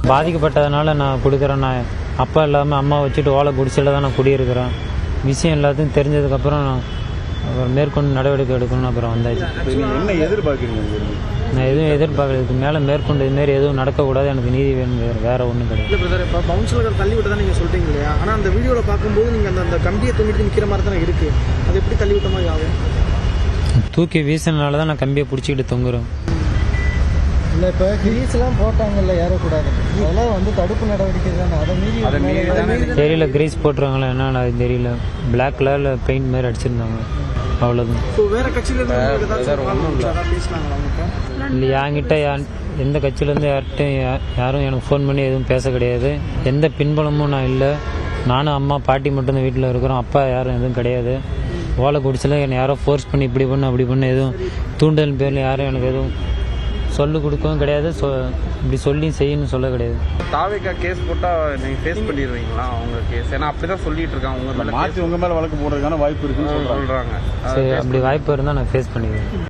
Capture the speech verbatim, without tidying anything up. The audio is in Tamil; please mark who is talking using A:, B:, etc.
A: பாதிக்கப்பட்டதுனால நான் கொடுக்குறேன். நான் அப்பா இல்லாமல் அம்மா வச்சுட்டு ஓலை குடிசையில் தான் நான் குடியிருக்கிறேன். விஷயம் எல்லாத்தையும் தெரிஞ்சதுக்கப்புறம் நான் அப்புறம் மேற்கொண்டு நடவடிக்கை எடுக்கணும்னு அப்புறம் வந்தாச்சு.
B: என்ன எதிர்பார்க்குறீங்க?
A: நான் எதுவும் எதிர்பார்க்கல. இதுக்கு மேலே மேற்கொண்டு இதுமாரி எதுவும் நடக்கக்கூடாது, எனக்கு நீதி வேணும், வேறு வேறு ஒன்றும் கிடையாது.
C: இல்லை பிரதர், இப்போ பவுன்சர்கள் தள்ளி விட்டு தான் நீங்கள் சொல்கிறீங்க இல்லையா? ஆனால் அந்த வீடியோவில் பார்க்கும்போது நீங்கள் அந்த அந்த கம்பியை தூங்கிட்டு நிற்கிற மாதிரி தானே இருக்குது. அது எப்படி தள்ளி விட்ட மாதிரி ஆகும்?
A: தூக்கி வீசினால தான் நான் கம்பியை பிடிச்சிக்கிட்டு தொங்குறேன்.
D: இல்லை, இப்போ கிரீஸ்லாம் போட்டாங்கல்ல ஏறக்கூடாது, அதெல்லாம் வந்து தடுப்பு நடவடிக்கை தானே, அதை மீறி
A: தெரியல. கிரீஸ் போட்டுருவாங்களா என்னன்னு அது தெரியல. பிளாக் கலரில் பெயிண்ட் மாதிரி அடிச்சிருந்தாங்க, அவ்வளோதான்.
C: இப்போ வேறு கட்சியிலேருந்து
A: இல்லை, என்கிட்ட யார் எந்த கட்சியிலேருந்து யார்கிட்டையும் யாரும் எனக்கு ஃபோன் பண்ணி எதுவும் பேச கிடையாது. எந்த பின்பலமும் நான் இல்லை. நானும் அம்மா பாட்டி மட்டும்தான் வீட்டில் இருக்கிறோம். அப்பா யாரும் எதுவும் கிடையாது. ஓலை குடிச்சில் என்னை யாரோ ஃபோர்ஸ் பண்ணி இப்படி பண்ணு அப்படி பண்ணு எதுவும் தூண்டல் பேரில் யாரும் எனக்கு எதுவும் சொல்லு கொடுக்கவும் கிடையாது. சொ இப்படி சொல்லி செய்யணும்னு சொல்ல கிடையாது.
E: தாவேக்கா கேஸ் போட்டால் நீங்கள் ஃபேஸ் பண்ணிடுவீங்களா அவங்க கேஸ்? ஏன்னா அப்படி தான் சொல்லிட்டு இருக்காங்க. உங்கள் மேலே
B: மாற்றி உங்கள் மேலே வழக்கு போடுறதுக்கான வாய்ப்பு இருக்குன்னு சொல்கிறாங்க.
E: சொல்கிறாங்க.
A: சரி, அப்படி வாய்ப்பு இருந்தால் நான் ஃபேஸ் பண்ணிடுவேன்.